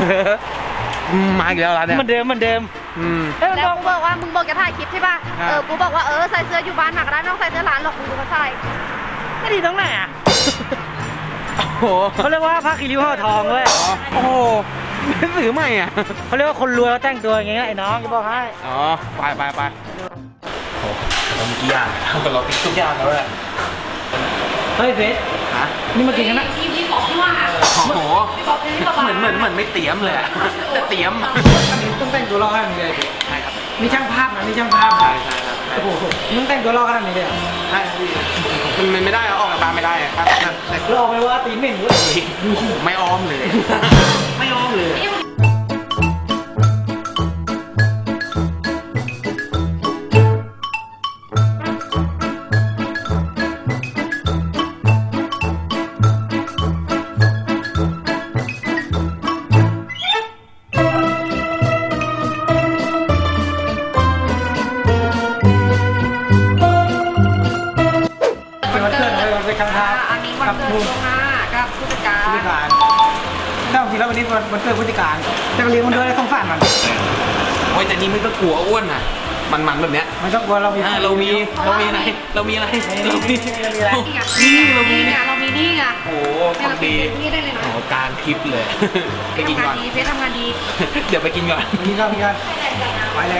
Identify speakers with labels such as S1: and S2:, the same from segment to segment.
S1: มาอีกแล้วร้านเนี่ย
S2: เหมือนเดิม
S3: แล้วกูบอกว่ามึงบอกจะถ่ายคลิปใช่ป่ะกูบอกว่าใส่เสื้ออยู่บ้านมาก็ได้ไม่ต้องใส่เสื้อร้านหรอกมึงดูเขาใส่
S2: ไม่ดีตรงไหนอ่ะ
S1: โอ้โห
S2: เขาเรียกว่าผ้าคีริ้วห่อทองเว้ย
S1: โอ้โหหนังสือใหม่อ่ะ
S2: เขาเรียกว่าคนรวยเขาแต่งตัวอย่างเงี้ยไอ้น้องจะบอกให้
S1: อ๋อไปโอ้เรามีกี่อย่างเราติ๊กทุกอย่างแล้วแหละ
S2: เฮ้ยเฟส
S1: ฮะ
S2: นี่มากินกันนะ
S3: พี่บอกที่ว่า
S1: โอ้โห
S3: พี่บอกที่ว่า
S1: เหมือนไม่เตรียมเลยแต่เตรียม
S2: ต้องแต่งตัวรอขนาดนี้เลย
S1: ใช่ครับ
S2: มีช่างภาพนะมีช่างภาพ
S1: ใช่ครับ
S2: โอ้โหมึงแต่งตัวรอขนาดนี้เลย
S1: ใช่พี่มันไม่ได้ออกจากบ้านไม่ได้ครับแต่
S2: รอไปว่าตีนเหม็นด้วย
S1: ไม่อ้อมเลย ไม่อ้อมเลย
S2: วันเกิดเลยไปช่างภาพ
S3: อันนี้วันเกิดล่วงหน้ากับผู้จัดการ
S2: ผู้จัดการถ้าจริงแล้ววันนี้วันเกิดผู้จัดการจะเลี้ยงมันด้วยสงสารมัน
S1: โอ้ยแต่นี่ไม่ต้องกลัวอ้วนนะมันแบบเนี้ย
S2: มันต้องกลัวเรามี
S1: เรามีอะไรเรามีอะไร
S3: นี่เรามีนี่ไง
S1: โอ้ของดี
S3: นี่ได้เลยนะ
S1: โอ้กลางคลิปเลยไปกิน
S3: ทำงา
S1: ก่อน น
S3: ดีเฟซทำงานดี
S1: เดี๋ยวไปกินก่อน
S2: มีกันไปเลย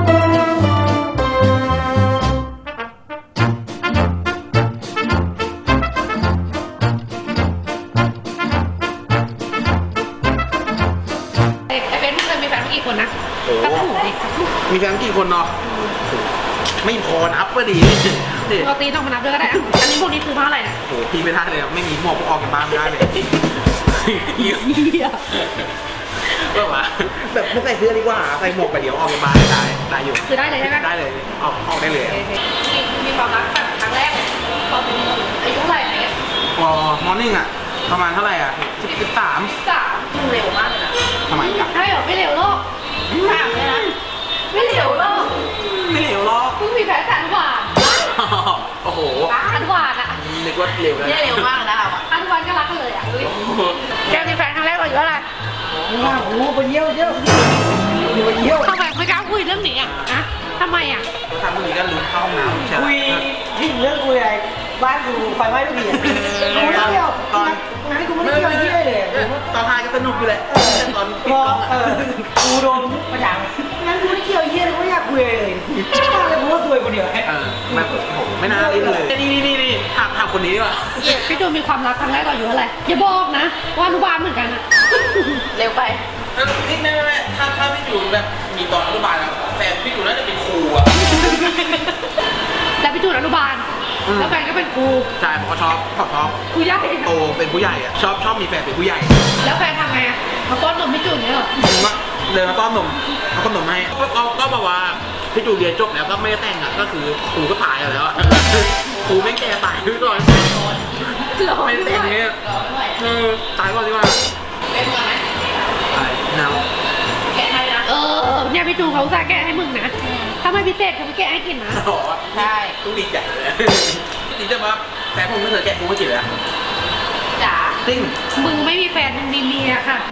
S3: ไอ้เฟซมึงเคยมีแฟนกี่คนนะ
S1: โอ้
S3: ตัดถูกดิ
S1: มีแฟนกี่คนเนาะไม่พอนับก็ดี
S3: ปกติต้องมานับด้วยก็ได้อันนี้พวกนี้คือเพราะอะไรนะ
S1: โอ้พี่ไม่ได้เลยไม่มีหมวกออกจากบ้านไม่ได้เลยเหี้ยแบบว่าแบบไม่ใส่เสื้อดีกว่าใส่หมวกไปเดี๋ยวออกจากบ้านได้อยู่
S3: คือได้เลยใช่ไหม
S1: ได้เลยออกได้เลย
S3: มีความรักแบบครั้งแรกตอนเป็นอายุเท่าไหร่เนี่ย
S1: พอมอร์นิ่งอ่ะประมาณเท่าไหร่อ่ะ13
S3: มึงเร็วมากเลยนะ
S1: ทำไมกัน
S3: ใช่เหรอไม่เร็วหรอกถามเลยนะไม่เร็วหรอก
S1: ไม่เหลวหรอก
S3: เพิ่งมีแฟนแต่อันหวาน
S1: โอ้โห
S3: อันหวานอ่ะ
S1: นึกว่าเร็วแล้ว
S3: เร็วมากนะคะอันหวานก็รักกันเลยอ่ะแกมีแฟนครั้งแรกเราอยู่เท่าไหร่
S2: ว่าโอ้โหไปเยี่ยวไปเยี่ยว
S3: ทำไมไม่กล้าคุยเรื่องนี้อ่ะนะทำไมอ่ะ
S1: ทำตรงนี้ก็ลืมเข้าห้องน้ำใช่ไหม
S2: คุยที่เรื่องคุยอะไรบ้านกูไฟไหม้ทุกทีกูไม่เที่ยวตอนงั้นกูไม่ได้เที่ยวที่เลย
S1: ตอนท้ายก็สนุกอยู่แหละตอน
S2: พอกูโดนประจานงั้นกูไม่เที่ยวเยี่ยเลยกูไม่อยากคุยเลยเลยกูว่าซวยคนเดียว
S1: แบบโหไม่น่าเล่นเลยนี่ถามคนนี้ดีกว่า
S3: พี่จูมีความรักครั้งแรกเราอยู่เท่าไหร่อย่าบอกนะว่าอนุบาลเหมือนกันอ่ะเร็วไป
S1: นี่แม่ถ้าพี่อยู่แบบมีตอนอนุบาลแฟนพี่อยู่น่าจะเป็นครูอ่ะ
S3: แล้วพี่จูอนุบาลแล้วแฟนก็เป็นครู
S1: ใช่ผมก็ชอบ
S3: ครูใหญ่
S1: โตเป็นผู้ใหญ่อ่ะชอบมีแฟนเป็นผู้ใหญ่
S3: แล้วแฟนทำไงอ่ะมาป้อนนมพี่จูเนี่ยเหรอ
S1: ผมว่าเดินมาต้อนนมเอาขนมให้ก็บอกว่าพี่จูเรียนจบแล้วก็ไม่ได้แต่งอ่ะก็คือครูก็ตายแล้วครูไม่แก่ตายด้วยก่อนไม่แต่งเนี่ยตายก่อนดีกว่า
S3: เป็นไง
S1: ตายหนาว
S3: แกะให้นะเนี่ยพี่จูเขาจะแกะให้มึงนะถ้าไม่พิเศษเขาไม่แกะให้กินนะ
S1: ใช่ต้องดีใจเลยจริงๆว่าแฟนผมไม่เคยแกะกูไม่กินเลย
S3: จ๋า
S1: จริง
S3: มึงไม่มีแฟนมึงมีเมียค่ะ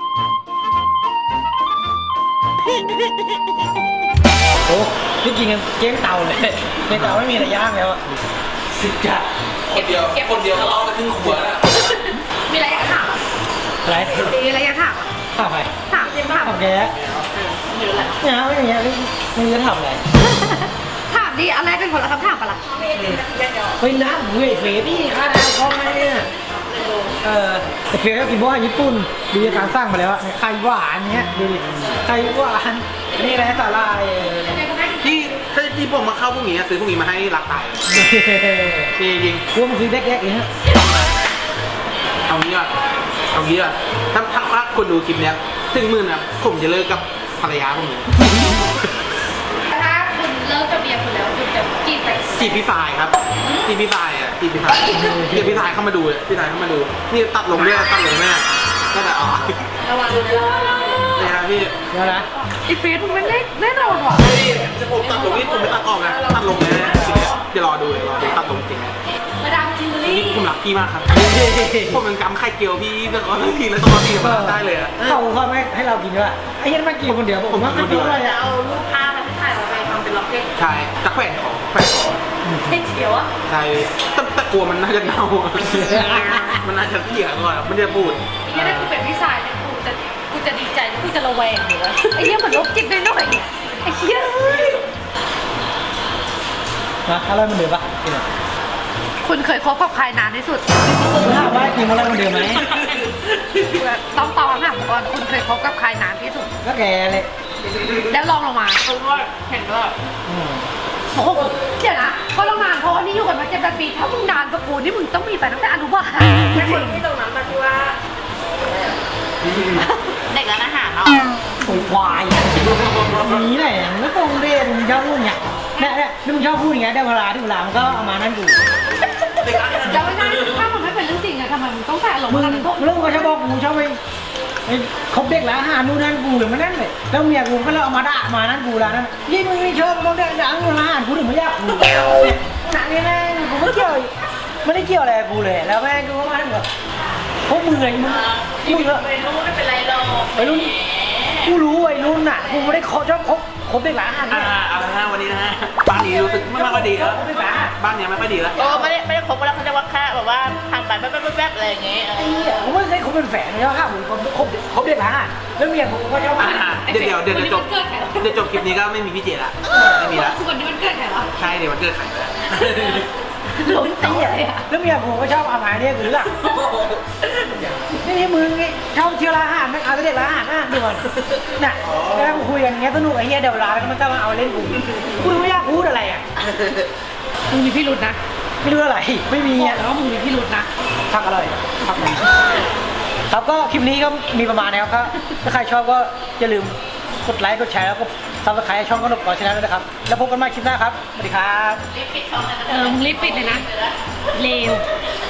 S2: โอ้ที่กินกันเจ๊งเตาเลยในเตาไม่มีอะไรย่างแล้วสิจัด
S1: คนเดียวทะเลาะกันครึ่งขวดแล้ว
S3: มีอะไรอยากถาม
S2: อะไร
S3: มีอะไรอยากถาม
S2: ถามใคร
S3: ถามจริงถาม
S2: ถามแก
S3: เยอะแหละ
S2: เนี่ยไม่อย่างเงี้ยไม่รู้จะถามอะไร
S3: ถามดิอะไรเป็นคนละคำถามปะล่ะ
S2: เฮ้ยน้ำเว้ยเฟรนี่ค่าน้ำคอมเนี่ยแต่เฟรก็กินว่าญี่ปุ่นดูการสร้างมาแล้วไข่หวานเนี้ยดูดิไข่หวานนี่อะไรสาลาย
S1: ที่ผมมาเข้าพวกนี้ซื้อพวกนี้มาให้รักตายจริง
S2: กูมันคือเด็กๆอย่างเงี้ย
S1: เอางี้อ่ะถ้าคนดูคลิปเนี้ยถึงหมื่นอ่ะผมจะเลิกกับภรรยาผมเลย
S3: ถ้าคุณเลิกกับเมียคุณแล้วคุณจะจีบใคร
S1: จีบพี่สายครับจีบพี่สายเดี๋ยวพี่สายเข้ามาดูนี่ตัดลงด้วยก็แต่อ๋อ
S3: ระวังดูนะ
S1: นี่ครับพี่
S2: เดี๋ยวนะ
S3: ไอ้เฟซมึงไม่ได้แน่นอนว่ะ
S1: จะผมตัดลงนี่ผมไม่ตัดออกนะตัดลงเลยนะทีเนี้ยจะรอดูตัดลงจริง
S3: แมาดามจิวเวลรี่
S1: นี่ผมรักพี่มากครับผมเป็นกำไข่เจียวพี่แต่ก่อนพี่แล้วตอนพี่มาได้เลยอะ
S2: เขาไม่ให้เรากินด้วยไอ้ยันมากินคนเดียวผมว่าไม่กินอะไรอ่ะ
S3: เอารูปภาพมาที่ถ่ายเอาไปทำเป็นล็อกเก็ต
S1: ใช่ตะแขวนของ
S3: เท่เฉียวอะ
S1: ใช่แต่กลัวมันน่าจะเน่ามันน่าจะเสียก่อนมันจะบูด
S3: นี่ถ้ากูเป็นพี่ชายเนี่ยกูจะดีใจหรือกูจะระแวงอยู่วะไอ้เหี้ยเหมือนโรคจิตหน่อยๆไอ้เหี้ยเอ้ย
S2: นะอะไรมันเดือดปะ
S3: คุณเคยคบกับใครนานที่สุด
S2: ถามว่ากินอะไรมันเดือดไหม
S3: ต้องตอบคำถามก่อนคุณเคยคบกับใครนานที่สุด
S2: ก็แกเลย
S3: แล้วลองลงมาเห็นว่าโอ้โหเดี๋ยวนะก็ลองนานเพราะว่านี่อยู่กันมา7 ปีถ้ามึงนานกับกูนี่มึงต้องมีแฟนตั้งแต่อนุบาลไม่คนที่ตรงนั้นมาที่ว่าเด็กร้านอาหารเนาะ
S2: โวยควายนี้แหละไม่ตรงเรียนมึงชอบพูดเนี่ยเนี่ยนี่มึงชอบพูดอย่างเงี้ยได้เวลาที่เวลามันก็เอามานั่นกู
S3: จะไม่ได้ถ้ามันไม่เป็นเรื่องจริงอะทำไมมึงต้องใส่อารมณ์
S2: มึง
S3: กันพวก
S2: เรื่องก็ชอบบอกกูชอบไปคบเด็กแล้วหานู่นนั่นกูอย่างมันนั่นเลยแล้วเมียกูก็เลยเอามาด่ามานั่นกูแล้วนั่นยิ่งมึงไม่ชอบมึงเด็กดังอยู่ร้านกูถึงไม่อยากกูหนักนี่แม่กูไม่เกี่ยวไม่ได้เกี่ยวอะไรกับกูเลยแล้วแม่กูก็มาถึงแบบพวกมึงไงมึงเหรอ
S3: ไม่รู้ไม่เป็นไรหรอก
S2: วัยรุ่นกูรู้วัยรุ่นน่ะกูไม่ได้ชอบคบเด็กร้านอาหารเนี่ย
S1: เอาละฮะวันนี้นะฮะบ้านนี้รู้สึกไม่ค่อยดีแล้ว
S2: คบเด็กร้านอาหาร
S1: บ้านเนี้ยไม่ค่อยดีแล้ว
S3: ก็ไม่ได้คบกันแล้วเขาจะว่าแค่แบบว่าทำไปแป๊บๆอะไรอย่างเงี้ย
S2: ไอ้เหี้ยผมไม่ได้คบเป็นแฝดเลยครับผมคบเด็กร้านอาหารแล้วเมียผมก็ชอบมา
S1: เดี๋ยวจบคลิปนี้ก็ไม่มีพี่เจละไม่มีละ
S3: คือวันนี้มันเกิดใครวะ
S1: ใช่เดี๋ยวมันเกิดไข่แล้ว
S3: ลุ้นตีเลยอะ
S2: แล้วเมียผมก็ชอบเอามาเนี่ยคือหลักนี่มึงชอบเที่ยวร้านอาหารไม่เอาแต่เด็กร้านอาหารนะดูก่อนน่ะแล้วคุยกันอย่างเงี้ยสนุกไอ้เหี้ยเดี๋ยวเวลาแล้วมันก็มาเอาเล่นกูไม่อยากพูดอะไรอ่ะ
S3: มึงมีพี่รุดนะ
S2: ไม่รู้อะไรไม่มี
S3: บอก
S2: อ่ะ
S3: แล้วว่ามึงมีพี่รุดนะ
S2: พักอร่อยพักไหนครับก็คลิปนี้ก็มีประมาณนี้ครับถ้าใครชอบก็อย่าลืมกดไลค์กดแชร์แล้วก็ซับสไครต์ช่องกนกก่อนชาแนลด้วยนะครับแล้วพบกันใหม่คลิปหน้าครับสวัสดีครับ
S3: มึงรีบปิดเลยนะเลว